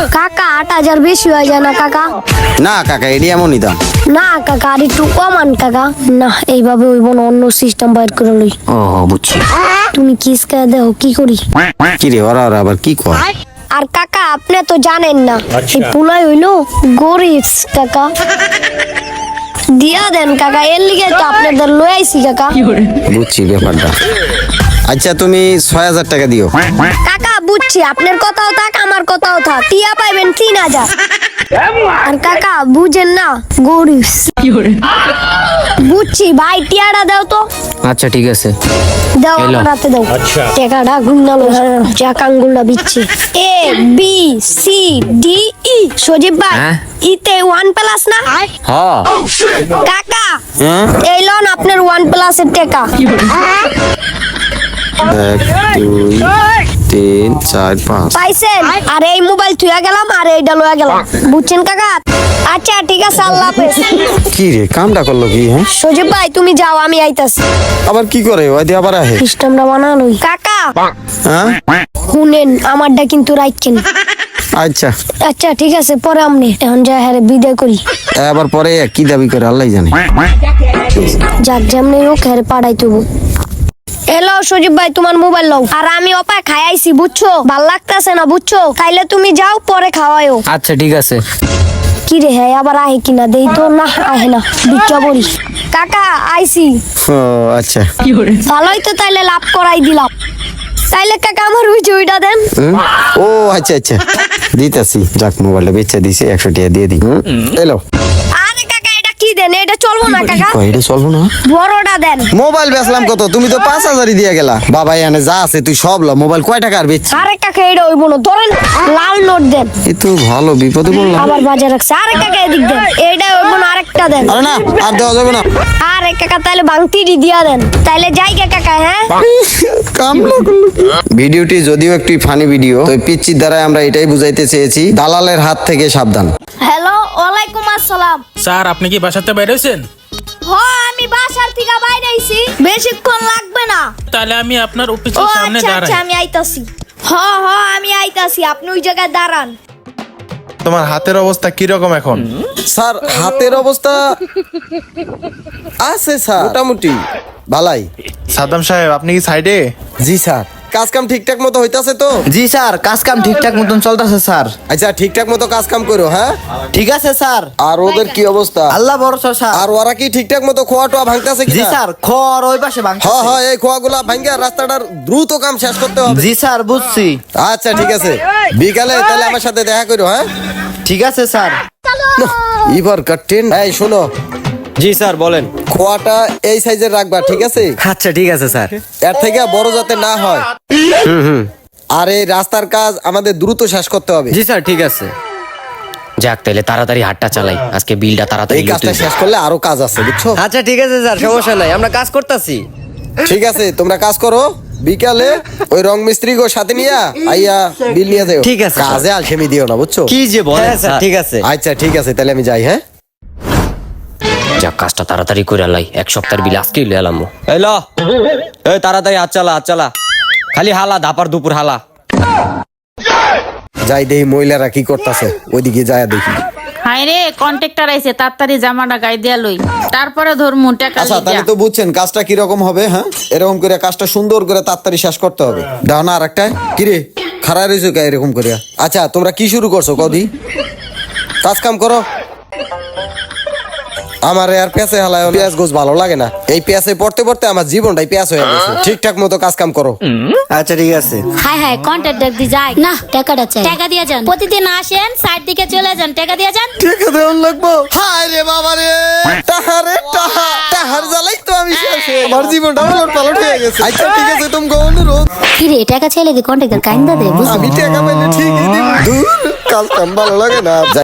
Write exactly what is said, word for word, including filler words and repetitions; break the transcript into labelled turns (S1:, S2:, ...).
S1: কাকা আট হাজার বেশি হয়ে যায় না কাকা?
S2: না কাকা, এটি এমনই দাম।
S1: না কাকা, আর একটু কমান কাকা। না এইভাবে হইব না, অন্য সিস্টেম বাইর করে লই।
S2: ও বুঝছি।
S1: তুমি কিসকা দেখো কি করি।
S2: কি রে, ওরা ওরা আবার কি কর?
S1: আর কাকা আপনি তো জানেন না, এই পুলাই হইলো গরিব কাকা। দিয়া দেন কাকা, এর লিগে তো আপনাদের লই আইছি কাকা।
S2: বুঝছি ব্যাপারটা। আচ্ছা তুমি ছয় হাজার টাকা দিও।
S1: কাকা বুঝছি, আপনার কথাও থাক আমার কথাও থাক, টিয়া পাইবেন তিন হাজার। আর কাকা বুঝেন না, গরিব। বুঝছি ভাই, টিয়াটা দাও তো।
S3: আচ্ছা ঠিক আছে।
S1: দাও
S3: এলো।
S1: আমার হাতে দাও। টাকাটা গুন্না লো, চাক আঙ্গুলটা বিচ্ছি। A B C D E. Sajib ভাই,
S3: হ্যাঁ?
S1: ইতে ওয়ান প্লাস না?
S3: হ্যাঁ
S1: কাকা
S2: হ্যাঁ?
S1: এই লন আপনার ওয়ান প্লাসের টাকা।
S2: এক দুই তিন চার পাঁচ।
S1: পাইছেন? আর এই মোবাইল থুয়া গেলাম, আর এইটা লয়া গেলাম। বুঝছেন কাকা? আচ্ছা ঠিক আছে, আল্লাহ হাফেজ।
S2: কি রে, কামটা করলো কি? হ্যাঁ,
S1: সজীব ভাই তুমি যাও, আমি আইতাছি।
S2: আবার কি করে? ওই দিয়ে আবার আহে।
S1: সিস্টেমটা বানানোই। কাকা
S2: হ্যাঁ
S1: শুনেন, আমারটা কিন্তু রাখছেন।
S2: আচ্ছা,
S1: আচ্ছা ঠিক আছে, পরে আমনি এখন যা হ্যাঁ বিদায় করি।
S2: আবার পরে কি দাবি করে আল্লাহ জানে।
S1: যাক যেমনি হোক হ্যাঁ পাঠাই তবু। এলো সজীব ভাই, তোমার মোবাইল লও। আর আমি অপায় খাই আইছি, বুঝছো? ভাল লাগতেছে না, বুঝছো? খাইলে তুমি যাও, পরে খাওয়াইও।
S3: আচ্ছা ঠিক আছে।
S1: কি রে, হ্যাঁ আবার আহে কিনা দেই তো। না আহে না, ভিক্ষা বলি। কাকা আইছি।
S2: ও আচ্ছা।
S1: ভালোই তো, তাইলে লাভ করাই দিলাম। তাইলে কাকা আমার ওই জয়টা দেন।
S2: হুম? ও আচ্ছা আচ্ছা, দিতেছি। যাক, মোবাইলটা বেচে দিছে, একশো টাকা দিয়ে দিই। হুম, এলো।
S1: আরে কাকা এটা কি দেন? এটা চলবো না কাকা,
S2: কই, এটা চলবো না?
S1: বড়টা দেন।
S2: মোবাইল বেচলাম কত? তুমি তো পাঁচ হাজারই দিয়ে গেলা। বাবা এনে যা আছে তুই সব ল। মোবাইল কয় টাকা আর বেচছি?
S1: আরে কাকা এটা হইবো না, ধরেন লাল নোট দেন।
S2: এ তো ভালো বিপদে বললাম।
S1: আবার বাজার রাখছে। আরে কাকা এদিক দেন, এইটা হইবো না, আরেকটা দেন।
S2: আরে না, আর দেওয়া যাবে না।
S1: আরে কাকা তাইলে ভাঙতিরি দিয়া দেন। তাইলে যাই গে কাকা। হ্যাঁ
S2: কামলা করলো কি? ভিডিওটি যদিও একটি ফানি ভিডিও, তো পিচ্চির দ্বারা আমরা এটাই বুঝাইতে চেয়েছি, দালালের হাত থেকে সাবধান।
S1: হ্যালো, ওয়ালাইকুম আসসালাম।
S4: স্যার আপনি কি বাসাতে বাইরে হয়েছেন?
S1: হ আমি বাসার থেকে বাইরে আইছি, বেশিক্ষণ লাগবে না।
S4: তাহলে আমি আপনার
S1: ও
S4: অফিসের সামনে
S1: আচ্ছা
S4: দাঁড়াই।
S1: আচ্ছা, আমি আইতাছি। হ হ আমি আইতাছি, আপনি ওই জায়গায় দাঁড়ান।
S5: তোমার হাতের অবস্থা কি রকম এখন?
S2: স্যার হাতের অবস্থা আছে স্যার, মোটামুটি ভালাই।
S5: সাদ্দাম সাহেব আপনি কি সাইডে?
S2: জি স্যার, কাজ কাম ঠিকঠাক মতো হইতাছে তো?
S3: জি স্যার, কাজ কাম ঠিকঠাক মতন চলতেছে স্যার।
S2: আচ্ছা ঠিকঠাক মতো কাজ কাম করো। হ্যাঁ
S3: ঠিক আছে স্যার।
S2: আর ওদের কি অবস্থা?
S3: আল্লাহ ভরসা স্যার।
S2: আর ওরা কি ঠিকঠাক মতো খোয়া টোয়া ভাঙতেছে কি?
S3: জি স্যার, খড় ওই পাশে ভাঙছে।
S2: হ্যাঁ হ্যাঁ, এই খোয়াগুলা ভাঙে রাস্তাটার দ্রুত কাম শেষ করতে হবে।
S3: জি স্যার বুঝছি।
S2: আচ্ছা ঠিক আছে, বিকালে তাহলে আমার সাথে দেখা করো। হ্যাঁ
S3: ঠিক আছে স্যার।
S2: এবার কাটেন। এই শোনো,
S3: জি স্যার বলেন।
S2: খোয়াটা এই সাইজের রাখবা, ঠিক আছে?
S3: আচ্ছা ঠিক আছে স্যার।
S2: এর থেকে বড় যাতে না হয়। আর এই রাস্তার কাজ আমাদের দ্রুত শেষ করতে হবে।
S3: জি স্যার ঠিক আছে। যাক তাহলে তাড়াতাড়ি হাটটা চালাই, আজকে বিলটা তাড়াতাড়ি
S2: এই কাজটা শেষ করলে আরো কাজ আছে, বুঝছো?
S3: আচ্ছা ঠিক আছে স্যার, সমস্যা নাই, আমরা কাজ করতেছি।
S2: ঠিক আছে, তোমরা কাজ করো। বিকালে ওই রং মিস্ত্রি গো সাথে নিয়া আইয়া বিল নিয়ে যাও।
S3: ঠিক আছে,
S2: কাজে আলসেমি দিও না, বুঝছো?
S3: কি যে বলেন স্যার। ঠিক আছে।
S2: আচ্ছা ঠিক আছে, তাহলে আমি যাই। হ্যাঁ
S3: যাক কাজটা তাড়াতাড়ি করে লাই, এক সপ্তাহের বিল আজকেই লয়ে এলাম। এই ল, এই তাড়াতাড়ি হাত চালা হাত চালা, খালি হালা দাপার দুপুর হালা।
S2: যাই দেখি মহিলারা কি করতেছে, ওইদিকে যায় দেখি।
S6: হায়রে কন্ট্রাক্টর আইছে, তাড়াতাড়ি জামাটা গায়ে দিয়া লই, তারপরে ধরমু টাকা
S2: আচ্ছা
S6: লিগা।
S2: তাহলে তো বুঝছেন কাজটা কি রকম হবে। হ্যাঁ এরকম করে কাজটা সুন্দর করে তাড়াতাড়ি শেষ করতে হবে। দাও না আর একটা। কিরে খাড়া রয়েছে কে এরকম করে? আচ্ছা তোমরা কি শুরু করছো কদি? কাজ কাম করো। আমার আর পেঁয়াজে হালায় পেঁয়াজ গোছ ভালো লাগে না। এই পেঁয়াজে পড়তে পড়তে আমার জীবনটাই পেঁয়াজ হয়ে গেছে। ঠিকঠাক মতো কাজ কাম করো।
S3: আচ্ছা ঠিক আছে।
S7: হাই হাই কন্ট্রাক্টর দি যাই না, টাকাটা চাই। টাকা দিয়ে যান, প্রতিদিন আসেন সাইড দিকে চলে যান, টাকা দিয়ে যান।
S2: টাকা দেওয়ার লাগবো? হায় রে বাবা রে, টাহারে টাহা, টাহার জ্বালাই তো আমি শেষ। আমার জীবনটা পালট পালট হয়ে গেছে। আচ্ছা ঠিক আছে, তুমি অনুরোধ।
S7: কি রে টাকা চাইলে কি কন্ট্রাক্টর কাইন্দা দেয়?
S2: আমি টাকা পাইলে ঠিকই দিব। দূর, কাজ কাম ভালো লাগে না।